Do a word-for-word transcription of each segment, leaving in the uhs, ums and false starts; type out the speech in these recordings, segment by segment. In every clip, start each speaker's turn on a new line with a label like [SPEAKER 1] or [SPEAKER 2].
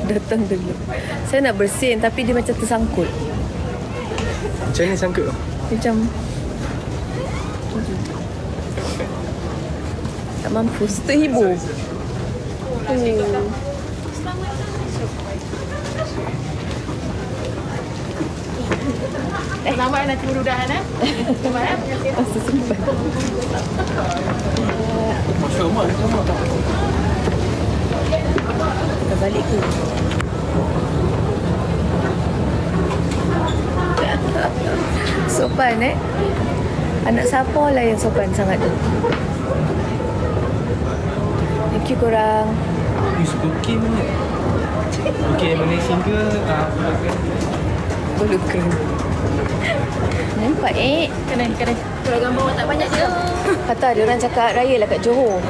[SPEAKER 1] Datang dulu. Saya nak bersin tapi dia macam tersangkut.
[SPEAKER 2] Macam ni sangkut?
[SPEAKER 1] Macam tak mampu, terhibur. Hmm.
[SPEAKER 3] Selamat nanti mudah-mudahan eh. Selamat eh.
[SPEAKER 1] Masa sempat.
[SPEAKER 2] Masya Allah.
[SPEAKER 1] Dah balik ke? Sopan eh. Anak siapa lah yang sopan sangat tu? Thank you korang.
[SPEAKER 2] You suka okey mana? Okey Malaysia ke?
[SPEAKER 1] Belum keren. Nampak eh.
[SPEAKER 3] Kena kena. Kalau gambar tak banyak je.
[SPEAKER 1] Kata dia orang cakap raya lah kat Johor.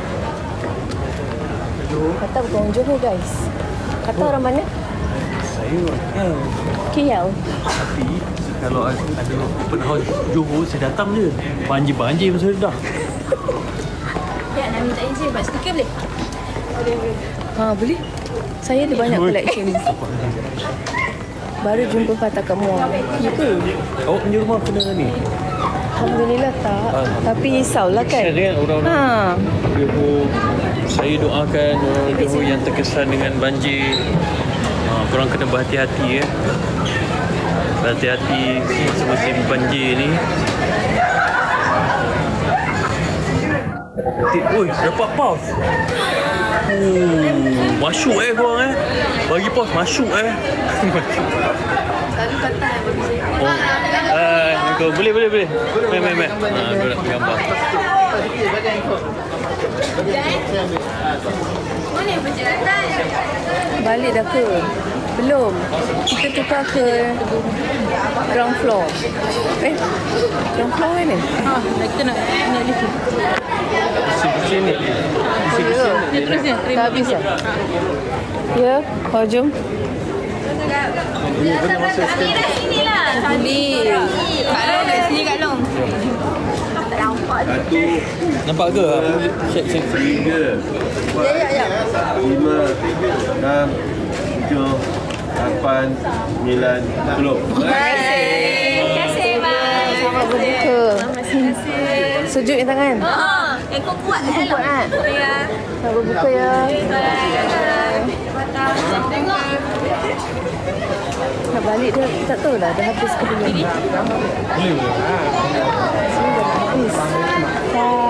[SPEAKER 1] Kata bukan orang Johor guys. Kata orang mana?
[SPEAKER 2] Saya kan.
[SPEAKER 1] K L.
[SPEAKER 4] Tapi kalau ada open house Johor, saya datang je. Banjir-banjir pun saya dah.
[SPEAKER 3] Ya, nak minta izin buat stiker boleh? Boleh, boleh.
[SPEAKER 1] Ha boleh. Saya ada banyak collection. Baru jumpa Fatah kat mall. Ya ke?
[SPEAKER 4] Awak punya rumah kena ni?
[SPEAKER 1] Alhamdulillah tak. Tapi risaulah kan.
[SPEAKER 4] Kesian kan orang-orang
[SPEAKER 1] Ha.
[SPEAKER 4] Johor. Saya doakan orang Johor yang terkesan dengan banjir. Ha, korang kena berhati-hati ya. Berhati-hati masa musim banjir ni. Oi, dapat paus. Oh, masyuk eh korang eh. Bagi paus masyuk eh.
[SPEAKER 3] Selalu kata yang bagi saya.
[SPEAKER 4] Oh. Ah, uh, boleh boleh boleh. Mai mai mai. Ha, kau nak gambar.
[SPEAKER 3] Mana yang perjalanan?
[SPEAKER 1] Balik dah ke? Belum. Kita tukar ke ground floor. Eh? Ground floor mana?
[SPEAKER 3] Ha, kita nak nak lift.
[SPEAKER 2] Bersih-bersih ni. Bersih-bersih ni.
[SPEAKER 3] Dia terus ni.
[SPEAKER 1] Tak habis lah. Ya, kau jom.
[SPEAKER 3] Sini lah.
[SPEAKER 1] Boleh.
[SPEAKER 3] Kak Long kat sini Kak Long.
[SPEAKER 5] Satu,
[SPEAKER 4] Nampak ke? Check check.
[SPEAKER 5] tiga, empat, lima, enam, tujuh, lapan, sembilan, sepuluh.
[SPEAKER 3] Terima kasih bang.
[SPEAKER 1] Selamat berbuka.
[SPEAKER 3] Terima kasih.
[SPEAKER 1] Sujud yang tangan.
[SPEAKER 3] Oh, yang kau kuat eh.
[SPEAKER 1] Kuat kan?
[SPEAKER 3] Ya.
[SPEAKER 1] Selamat berbuka ya.
[SPEAKER 3] Tengok.
[SPEAKER 1] Nak balik dia tak tahu lah dah habis ke belum.
[SPEAKER 2] Boleh boleh.
[SPEAKER 1] Habis. Dah.